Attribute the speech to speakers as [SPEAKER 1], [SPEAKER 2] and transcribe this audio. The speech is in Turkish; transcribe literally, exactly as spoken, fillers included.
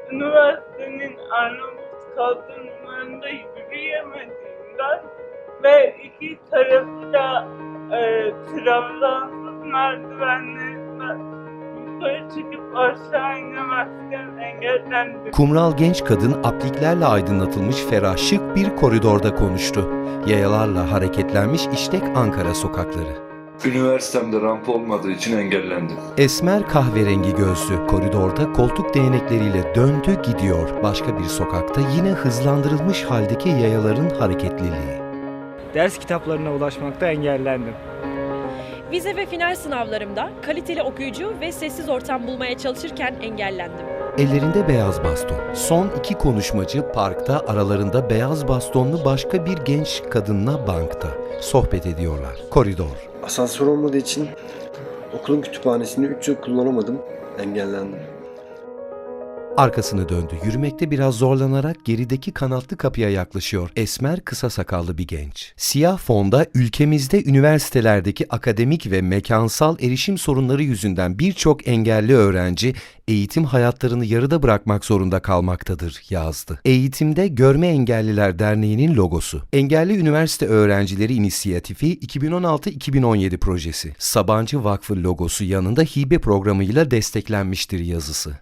[SPEAKER 1] üniversitenin Arnavut kaldırımlarında yürüyemediğimden ve iki tarafı da e, trabzansız merdivenlerinden yukarı çıkıp aşağı inemezken engellendim.
[SPEAKER 2] Kumral genç kadın apliklerle aydınlatılmış ferah şık bir koridorda konuştu. Yayalarla hareketlenmiş işlek Ankara sokakları.
[SPEAKER 3] Üniversitemde rampa olmadığı için engellendim.
[SPEAKER 2] Esmer kahverengi gözlü koridorda koltuk değnekleriyle döndü gidiyor. Başka bir sokakta yine hızlandırılmış haldeki yayaların hareketliliği.
[SPEAKER 4] Ders kitaplarına ulaşmakta engellendim.
[SPEAKER 5] Vize ve final sınavlarımda kaliteli okuyucu ve sessiz ortam bulmaya çalışırken engellendim.
[SPEAKER 2] Ellerinde beyaz baston. Son iki konuşmacı parkta, aralarında beyaz bastonlu başka bir genç kadınla bankta. Sohbet ediyorlar. Koridor.
[SPEAKER 6] Asansör olmadığı için okulun kütüphanesini üç yıl kullanamadım, engellendim.
[SPEAKER 2] Arkasını döndü. Yürümekte biraz zorlanarak gerideki kanatlı kapıya yaklaşıyor. Esmer, kısa sakallı bir genç. Siyah fonda ülkemizde üniversitelerdeki akademik ve mekansal erişim sorunları yüzünden birçok engelli öğrenci eğitim hayatlarını yarıda bırakmak zorunda kalmaktadır yazdı. Eğitimde Görme Engelliler Derneği'nin logosu. Engelli Üniversite Öğrencileri İnisiyatifi iki bin on altı iki bin on yedi projesi. Sabancı Vakfı logosu yanında hibe programıyla desteklenmiştir yazısı.